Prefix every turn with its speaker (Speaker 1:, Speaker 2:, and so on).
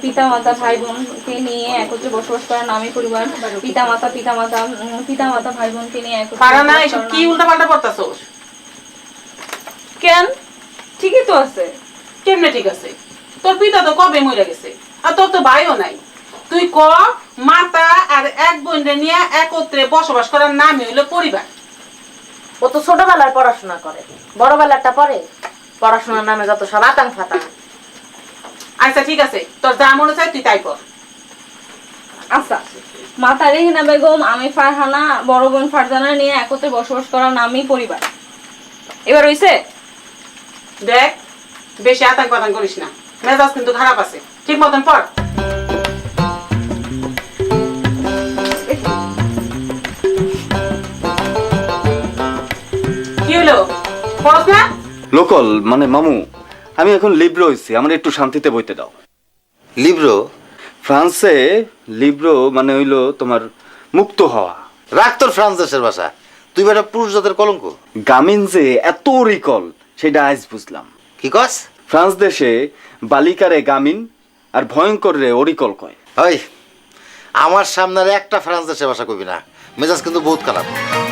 Speaker 1: পিতা মাতা ভাই বোনকে নিয়ে একত্রে বসবাস করার নামই পরিবার। পিতা মাতা ভাই বোনকে নিয়ে একত্রে
Speaker 2: পারা না,
Speaker 1: বসবাস
Speaker 2: এসব
Speaker 1: করার
Speaker 2: কি
Speaker 1: নাম।
Speaker 2: উল্টাপাল্টা করতাছস?
Speaker 1: কেন, ঠিকই তো আছে।
Speaker 2: কেমনে ঠিক আছে? তোর পিতা তো কবে মরে গেছে, আর তোর তো ভাইও নাই। তুই ক, মাতা আর এক বোনরে নিয়ে একত্রে বসবাস করার নামই হইলো পরিবার।
Speaker 3: ও তো ছোটবেলার পড়াশোনা করে, বড়বেলারটা পরে। পড়াশোনার নামে যত সব আতাং ফাতাং।
Speaker 2: আচ্ছা ঠিক আছে, তোর যা মনে চাই তুই তাই কর।
Speaker 1: আচ্ছা, মাতা রেহেনা বেগম, আমি ফারহানা, বড় বোন ফারজানা নিয়ে একত্রে বসবাস করার নামই পরিবার। এবার হইছে?
Speaker 2: দেখ, বেশি আতাং পাতাং করিস না, মেজাজ কিন্তু খারাপ আছে। ঠিক মতন পড়। কি হলো, পড়স না?
Speaker 4: লোকল মানে মামু, আমি এখন লিব্রো হইছি, আমার একটু শান্তিতে বইতে দাও।
Speaker 5: লিব্রো?
Speaker 4: ফ্রান্সে লিব্রো মানে হইলো তোমার মুক্ত হওয়া।
Speaker 5: রাখ তোর ফ্রান্স দেশের ভাষা, তুই বেটা পুরুষ জাতের কলঙ্ক।
Speaker 4: গামিন যে এত রিকল সেটা আজ বুঝলাম।
Speaker 5: কি কস?
Speaker 4: ফ্রান্স দেশে বালিকারে গামিন আর ভয়ঙ্কর রে অরিকল কয়।
Speaker 5: ওই আমার সামনে আর একটা ফ্রান্স দেশের ভাষা কবি না, মেজাজ কিন্তু বহুত খারাপ।